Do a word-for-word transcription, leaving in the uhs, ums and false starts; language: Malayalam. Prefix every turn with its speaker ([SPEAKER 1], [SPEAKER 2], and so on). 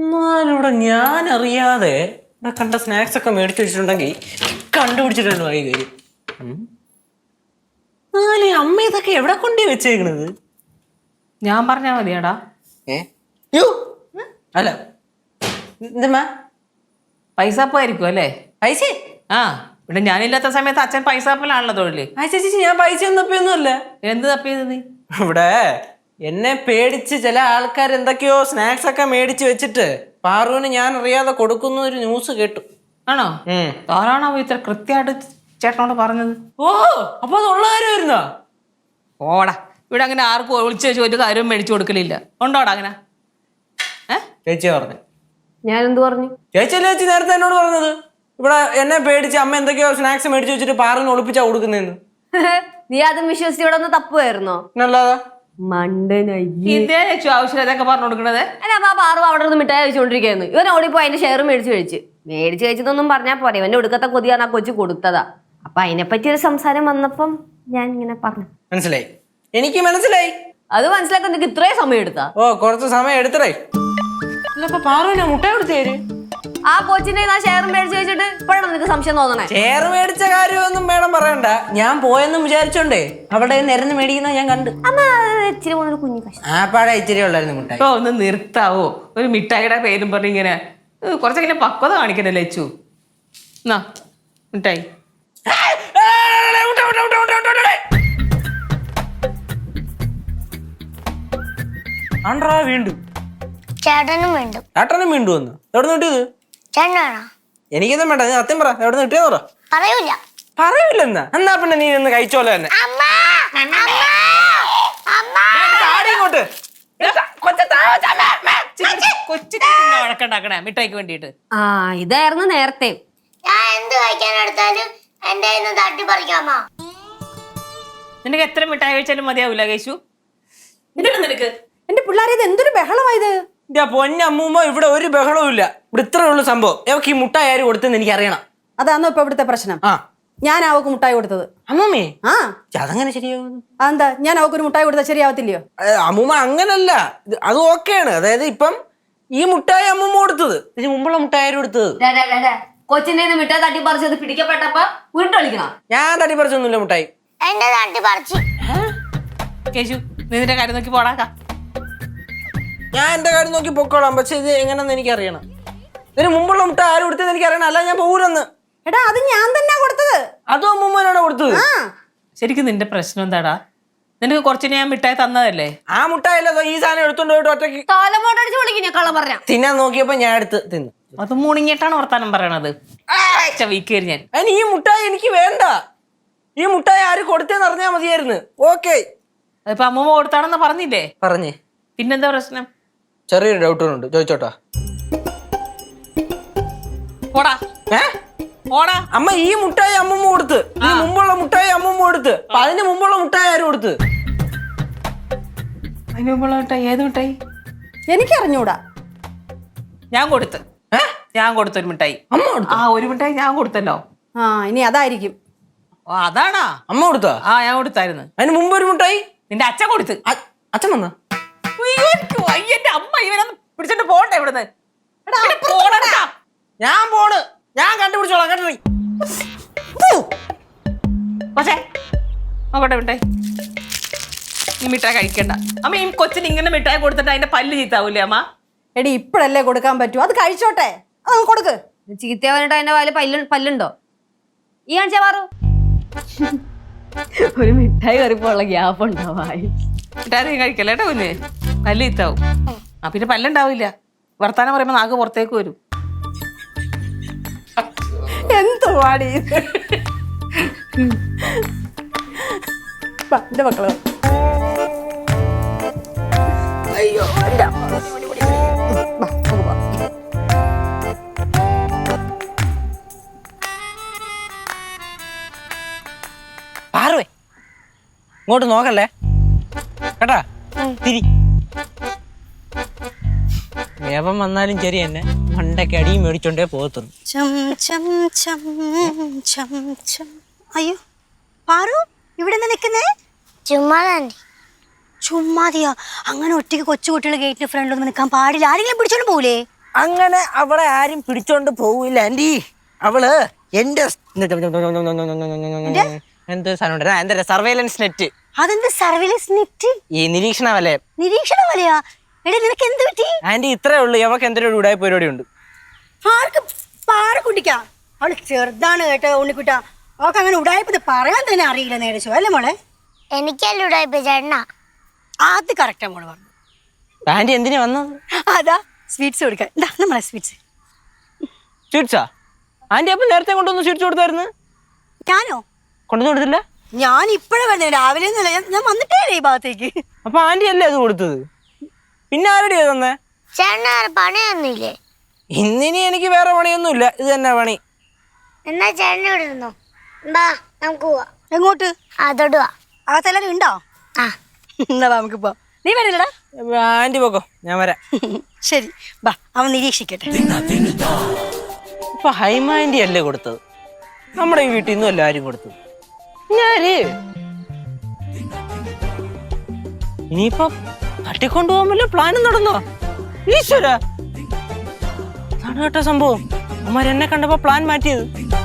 [SPEAKER 1] എന്നാലിവിടെ ഞാൻ അറിയാതെ ഇവിടെ കണ്ട സ്നാക്സ് ഒക്കെ മേടിച്ചു വെച്ചിട്ടുണ്ടെങ്കിൽ കണ്ടുപിടിച്ചിട്ടുണ്ട് വഴി കയറി. എന്നാലും അമ്മ ഇതൊക്കെ എവിടെ കൊണ്ടേ വെച്ചേക്കണത്?
[SPEAKER 2] ഞാൻ പറഞ്ഞാ മതിയാടാ.
[SPEAKER 1] ഏ യോ അല്ല എന്താ
[SPEAKER 2] പൈസപ്പായിരിക്കും അല്ലേ?
[SPEAKER 1] പൈസ
[SPEAKER 2] ആ ഇവിടെ ഞാനില്ലാത്ത സമയത്ത് അച്ഛൻ പൈസപ്പിലാണല്ലോ തൊഴില്.
[SPEAKER 1] ആ ചേച്ചി ഞാൻ പൈസ ഒന്നും തപ്പിയൊന്നും അല്ല.
[SPEAKER 2] എന്ത് തപ്പിയത് നീ?
[SPEAKER 1] ഇവിടെ എന്നെ പേടിച്ച് ചില ആൾക്കാർ എന്തൊക്കെയോ സ്നാക്സ് ഒക്കെ മേടിച്ച് വെച്ചിട്ട് പാറുവിന് ഞാൻ അറിയാതെ കൊടുക്കുന്ന ഒരു ന്യൂസ് കേട്ടു.
[SPEAKER 2] ആണോ? ആരാണോ ഇത്ര കൃത്യമായിട്ട് ചേട്ടനോട് പറഞ്ഞത്?
[SPEAKER 1] ഓ അപ്പൊ അതുള്ള കാര്യമായിരുന്നോ?
[SPEAKER 2] ഓടാ, ഇവിടെ അങ്ങനെ ആർക്കും ഒളിച്ചു വെച്ച് ഒരു കാര്യവും മേടിച്ചു കൊടുക്കലില്ല. ഉണ്ടോടാ അങ്ങനെ? ഏഹ്
[SPEAKER 1] ചേച്ചിയാ പറഞ്ഞു.
[SPEAKER 3] ഞാൻ എന്ത് പറഞ്ഞു?
[SPEAKER 1] ചേച്ചി ചേച്ചി നേരത്തെ എന്നോട് പറഞ്ഞത് ഇവിടെ എന്നെ പേടിച്ച് അമ്മ എന്തൊക്കെയോ സ്നാക്സ് മേടിച്ച് വെച്ചിട്ട് പാറിന് ഒളിപ്പിച്ചാ കൊടുക്കുന്നതെന്ന്.
[SPEAKER 3] നീ അതും വിശ്വസിച്ച് ഇവിടെ ഒന്ന് തപ്പുമായിരുന്നോ?
[SPEAKER 1] നല്ലതാ
[SPEAKER 2] ആവശ്യം അതൊക്കെ പറഞ്ഞു കൊടുക്കണത്.
[SPEAKER 3] അല്ല പാറു അവിടെ നിന്ന് മിഠായി കഴിച്ചുകൊണ്ടിരിക്കുന്നു. ഇവൻ ഓടിപ്പോയി അതിന്റെ ഷെയർ മേടിച്ച് കഴിച്ച് മേടിച്ച് കഴിച്ചതൊന്നും പറഞ്ഞാൽ പോരെ. ഇവന്റെ ഒടുക്കത്തെ കൊതിയാണ് ആ കൊച്ചു കൊടുത്തതാ. അപ്പൊ അതിനെപ്പറ്റി ഒരു സംസാരം വന്നപ്പം ഞാൻ ഇങ്ങനെ പറഞ്ഞു.
[SPEAKER 1] മനസ്സിലായി, എനിക്ക് മനസ്സിലായി.
[SPEAKER 3] അത് മനസ്സിലാക്കാൻ നിനക്ക് ഇത്രയും സമയം എടുത്താ?
[SPEAKER 1] ഓ കുറച്ച് സമയം എടുത്തേ. പാറുവിനെ മുട്ടായി കൊടുത്തേര്.
[SPEAKER 3] ആ കൊച്ചിന്റെ ഷെയർ മേടിച്ച് വെച്ചിട്ട് ഇപ്പോഴാണ് നിനക്ക് സംശയം തോന്നണേ?
[SPEAKER 1] ഷെയർ മേടിച്ച കാര്യമൊന്നും മേഡം പറയണ്ട. ഞാൻ പോയെന്നും വിചാരിച്ചോണ്ടേ അവിടെ നിരന്ന് മേടിക്കുന്ന ഞാൻ കണ്ടു.
[SPEAKER 3] ഇച്ചിരി പോകുന്ന കുഞ്ഞു കഷ്ടം.
[SPEAKER 1] ആ പാടെ ഇച്ചിരി ഉള്ളായിരുന്നു മിഠായി.
[SPEAKER 2] ഓ ഒന്ന് നിർത്താവോ? ഒരു മിഠായിയുടെ പേരും പറഞ്ഞ് ഇങ്ങനെ കുറച്ചെങ്ങനെ പക്വത കാണിക്കണല്ലേ അച്ചു? എന്നാ മിഠായി.
[SPEAKER 1] ആണ്ട്രാ വീണ്ടും
[SPEAKER 4] ചേട്ടനും വീണ്ടും
[SPEAKER 1] ചേട്ടനും വീണ്ടും വന്നു. എവിടെ നിന്ന് കിട്ടിയത്?
[SPEAKER 4] ചേട്ടനാണോ?
[SPEAKER 1] എനിക്കൊന്നും വേണ്ട, നീ സത്യം പറ, എവിടെ നിന്ന് കിട്ടിയെന്ന് പറ.
[SPEAKER 4] പറയൂല.
[SPEAKER 1] പറയൂലെന്നാ? എന്നാ പിന്നെ നീ ഒന്ന് കഴിച്ചോലെ തന്നെ. ഇങ്ങോട്ട്
[SPEAKER 2] വഴക്കുണ്ടാക്കണേ മിഠായിക്ക് വേണ്ടിട്ട്.
[SPEAKER 3] ആ ഇതായിരുന്നു നേരത്തെ.
[SPEAKER 4] ഞാൻ എന്ത് കഴിക്കാൻ എടുത്താലും എന്റെ തട്ടി പറിക്കാമോ?
[SPEAKER 2] നിനക്ക് എത്ര മിഠായി കഴിച്ചാലും മതിയാവൂല കേശു. നിനക്ക്
[SPEAKER 3] എന്റെ പിള്ളേരെ ഇത് എന്തൊരു ബഹളമായത്?
[SPEAKER 1] എന്റെ പൊന്നമ്മൂമ്മ ഇവിടെ ഒരു ബഹളവും ഇല്ല. ഇവിടെ ഇത്രേ ഉള്ളു സംഭവം. അവക്ക് ഈ മുട്ടായി ആര് കൊടുത്തെന്ന് എനിക്ക് അറിയണം.
[SPEAKER 5] അതാണോ ഇപ്പൊ ഇവിടുത്തെ പ്രശ്നം?
[SPEAKER 1] ആ
[SPEAKER 5] ഞാൻ അവക്ക് മുട്ടായി കൊടുത്തത്.
[SPEAKER 1] അമ്മൂമ്മേ
[SPEAKER 5] ആ
[SPEAKER 1] അതങ്ങനെ ശരിയാവുന്നു?
[SPEAKER 5] അതെന്താ ഞാൻ അവക്കൊരു മുട്ടായി കൊടുത്താൽ ശരിയാവത്തില്ലയോ?
[SPEAKER 1] അമ്മൂമ്മ അങ്ങനല്ല, അത് ഓക്കെയാണ്. അതായത് ഇപ്പം ഈ മുട്ടായി അമ്മൂമ്മ കൊടുത്തത്, ഇതിന് മുമ്പുള്ള മുട്ടായി ആര് കൊടുത്തത്?
[SPEAKER 3] കൊച്ചിന്റെ മിഠായി തട്ടി പറിച്ചത് പിടിക്കപ്പെട്ടപ്പോ വീണ്ടും കളിക്കണം.
[SPEAKER 1] ഞാൻ തട്ടി പറിച്ചൊന്നുമില്ല മുട്ടായി.
[SPEAKER 4] എന്റെ തട്ടി പറിച്ചു.
[SPEAKER 2] കേശു നിന്റെ കാര്യം നോക്കി പോടാക്കാം.
[SPEAKER 1] ഞാൻ എന്റെ കാര്യം നോക്കി പൊക്കോളാം. പക്ഷെ ഇത് എങ്ങനെയെന്ന് എനിക്ക് അറിയണം. ഇതിന് മുമ്പുള്ള മുട്ട ആര് കൊടുത്തത് എനിക്ക് അറിയണം. അല്ല ഞാൻ പോകൂലെന്ന്.
[SPEAKER 5] എടാ അത് ഞാൻ തന്നെ കൊടുത്തത്.
[SPEAKER 1] അതും അമ്മൂമ്മനാണ് കൊടുത്തത്.
[SPEAKER 2] ശരിക്കും നിന്റെ പ്രശ്നം എന്താടാ? നിനക്ക് കുറച്ച് ഞാൻ മിഠായി തന്നതല്ലേ?
[SPEAKER 1] ആ മുട്ടായില്ല, ഈ സാധനം എടുത്തോണ്ട് പോയിട്ട് ഒറ്റയ്ക്ക്
[SPEAKER 3] കാലമോട്ടടിച്ച് വിളിക്കും ഞാൻ കള്ളം പറഞ്ഞ.
[SPEAKER 1] തിന്നാൻ നോക്കിയപ്പോ ഞാൻ എടുത്ത് തിന്നു.
[SPEAKER 2] അത് മുണിങ്ങിട്ടാണ് വർത്താനം പറയണത്. വീക്കേരി ഞാൻ
[SPEAKER 1] അതിന് ഈ മുട്ടായി എനിക്ക് വേണ്ട. ഈ മുട്ടായി ആര് കൊടുത്തേന്ന് അറിഞ്ഞാ മതിയായിരുന്നു. ഓക്കെ
[SPEAKER 2] അതിപ്പോ അമ്മൂമ്മ കൊടുത്താണെന്ന് പറഞ്ഞില്ലേ?
[SPEAKER 1] പറഞ്ഞേ.
[SPEAKER 2] പിന്നെന്താ പ്രശ്നം?
[SPEAKER 1] ചെറിയൊരു ഡൗട്ടുണ്ട്, ചോദിച്ചോട്ടാ.
[SPEAKER 2] പോടാ
[SPEAKER 1] ഏ
[SPEAKER 2] പോടാ.
[SPEAKER 1] അമ്മ ഈ മുട്ടായി അമ്മൂമ്മ കൊടുത്ത്, ഇതിന് മുമ്പുള്ള മുട്ടായി അമ്മൂമ്മ കൊടുത്ത്, അപ്പൊ അതിന് മുമ്പുള്ള മുട്ടായി ആര് കൊടുത്ത്?
[SPEAKER 2] അതിന് മുമ്പുള്ള മിഠായി ഏത് മിഠായി?
[SPEAKER 5] എനിക്കറിഞ്ഞൂടാ.
[SPEAKER 2] ഞാൻ കൊടുത്ത് ഞാൻ കൊടുത്തൊരു മിഠായി.
[SPEAKER 1] അമ്മ കൊടുത്തു?
[SPEAKER 2] ആ ഒരു മിഠായി ഞാൻ കൊടുത്തല്ലോ.
[SPEAKER 5] ആ ഇനി അതായിരിക്കും.
[SPEAKER 2] ഓ അതാണാ?
[SPEAKER 1] അമ്മ കൊടുത്താ?
[SPEAKER 2] ആ ഞാൻ കൊടുത്തായിരുന്നു.
[SPEAKER 1] അതിന് മുമ്പ് ഒരു മുട്ടായി
[SPEAKER 2] നിന്റെ അച്ഛൻ കൊടുത്ത്.
[SPEAKER 1] അച്ഛൻ വന്ന
[SPEAKER 2] എന്റെ അമ്മ ഇവനൊന്ന് പിടിച്ചിട്ട് പോണ്ടേ ഇവിടുന്ന്?
[SPEAKER 1] ഞാൻ പോണ്, ഞാൻ കണ്ടുപിടിച്ചോളാം കേട്ടോ.
[SPEAKER 2] പക്ഷേ നോക്കട്ടെ മിഠായി. ഈ മിഠായി കഴിക്കണ്ട അമ്മ. ഈ കൊച്ചിന് ഇങ്ങനെ മിഠായി കൊടുത്തിട്ട് അതിന്റെ പല്ല് ചീത്താവൂലേ അമ്മ?
[SPEAKER 5] എടി ഇപ്പഴല്ലേ കൊടുക്കാൻ പറ്റൂ, അത് കഴിച്ചോട്ടെ. അത് കൊടുക്ക്.
[SPEAKER 3] ചീത്തവനിട്ട് അതിന്റെ വാല് പല്ല് പല്ലുണ്ടോ? ഈ കാണിച്ചാ മാറു. ഒരു മിഠായി കറിപ്പുള്ള ഗ്യാപ്പ് ഉണ്ടാവായി.
[SPEAKER 2] മിഠായി കഴിക്കല്ലേ കേട്ടോ കുഞ്ഞ്, പല്ല് ചീത്താവും. ആ പിന്നെ പല്ലുണ്ടാവില്ല. വർത്താനം പറയുമ്പോ നാക്ക് പുറത്തേക്ക് വരും.
[SPEAKER 5] എന്തുവാടി എന്റെ മക്കള്. അയ്യോ
[SPEAKER 1] പാറുവേ ഇങ്ങോട്ട് നോക്കല്ലേ കേട്ടാ. തിരി വേവം വന്നാലും ശരി തന്നെ മണ്ടയ്ക്ക് അടിയും മേടിച്ചോണ്ടേ പോകത്തുന്നു.
[SPEAKER 4] അയ്യോ പാറു ഇവിടെ നിൽക്കുന്നേ? ചുമ്മാതാണ്ടി. ചുമ്മാതിയോ? അങ്ങനെ ഒറ്റയ്ക്ക് കൊച്ചു കുട്ടികൾ ഗേറ്റിന് ഫ്രണ്ടിലൊന്നും നിൽക്കാൻ പാടില്ല. ആരെങ്കിലും പിടിച്ചോണ്ട് പോകൂലേ?
[SPEAKER 1] അങ്ങനെ അവളെ ആരും പിടിച്ചോണ്ട് പോവില്ല ആന്റി. അവള് എന്റെ എന്ത് സാധനം എന്താ സർവൈലൻസ് നെറ്റ്.
[SPEAKER 5] അതെന്ത് സർവീലൻസ് നെറ്റ്?
[SPEAKER 1] ഈ നിരീക്ഷണ വലയം.
[SPEAKER 5] നിരീക്ഷണ വലയാ? എടാ നിനക്ക് എന്ത് പറ്റി?
[SPEAKER 1] ആന്റി ഇത്രേ ഉള്ളൂ, അവൾക്ക് എന്തൊരു ഉടായ്പ പരിപാടി ഉണ്ട്.
[SPEAKER 5] ആർക്ക് പാറക്കുട്ടിക്കാ? അവള് ചെറുതാണ് കേട്ടോ ഉണ്ണിക്കുട്ട. അവൾക്ക് അങ്ങനെ ഉടായ്പത് പറയാൻ തന്നെ അറിയില്ല നേടിച്ചോ അല്ലേ മോളെ?
[SPEAKER 4] എനിക്കല്ല ഉടായിപ്പ് ചേട്ടനാ.
[SPEAKER 5] അത് കറക്റ്റാ മോള് പറഞ്ഞു.
[SPEAKER 1] ആന്റി എന്തിനാ വന്നത്?
[SPEAKER 5] അതാ സ്വീറ്റ്സ് കൊടുക്കാൻ. എന്താ നമ്മളെ സ്വീറ്റ്സ്?
[SPEAKER 1] സ്വീറ്റ്സാ? ആന്റി അപ്പൊ നേരത്തെ കൊണ്ടുവന്ന് സ്വീറ്റ്സ് കൊടുത്തായിരുന്നു.
[SPEAKER 5] ഞാനോ?
[SPEAKER 1] കൊണ്ടുവന്ന് കൊടുത്തില്ല.
[SPEAKER 5] ഞാൻ ഇപ്പഴേ വന്നേ, രാവിലെ ഒന്നുമില്ല. ഞാൻ വന്നിട്ടേ ഈ ഭാഗത്തേക്ക്.
[SPEAKER 1] അപ്പൊ ആന്റി അല്ലേ അത് കൊടുത്തത്? പിന്നെ ആരുടെയാ തന്നെ?
[SPEAKER 4] ചേട്ടന് പണിയൊന്നുമില്ലേ?
[SPEAKER 1] ഇന്നിനി എനിക്ക് വേറെ പണിയൊന്നുമില്ല, ഇത് തന്നെ പണി.
[SPEAKER 4] എന്നാ ചേട്ടനെ ഇവിടെ ഇരുന്നോ. ബാ നമുക്ക് പോവാ.
[SPEAKER 5] എങ്ങോട്ട്?
[SPEAKER 4] അതോടുവാ.
[SPEAKER 5] അകത്തെല്ലാരും ഉണ്ടോ?
[SPEAKER 4] ആ
[SPEAKER 5] എന്നാ വാ നമുക്ക് പോവാം. നീ വരില്ലടാ?
[SPEAKER 1] ആന്റി പോക്കോ, ഞാൻ വരാം.
[SPEAKER 5] ശരി ബാ, അവൻ നിരീക്ഷിക്കട്ടെ.
[SPEAKER 1] ഇപ്പൊ ഹൈമ ആന്റി അല്ലേ കൊടുത്തത്? നമ്മുടെ ഈ വീട്ടിൽ നിന്നും അല്ല ആരും കൊടുത്തത്. ഞാന് ഇനിയിപ്പൊ തട്ടിക്കൊണ്ടുപോകാൻ വല്ല പ്ലാനും നടന്നോ? ഈശ്വര, കേട്ട സംഭവം. അമ്മ എന്നെ കണ്ടപ്പോ പ്ലാൻ മാറ്റിയത്.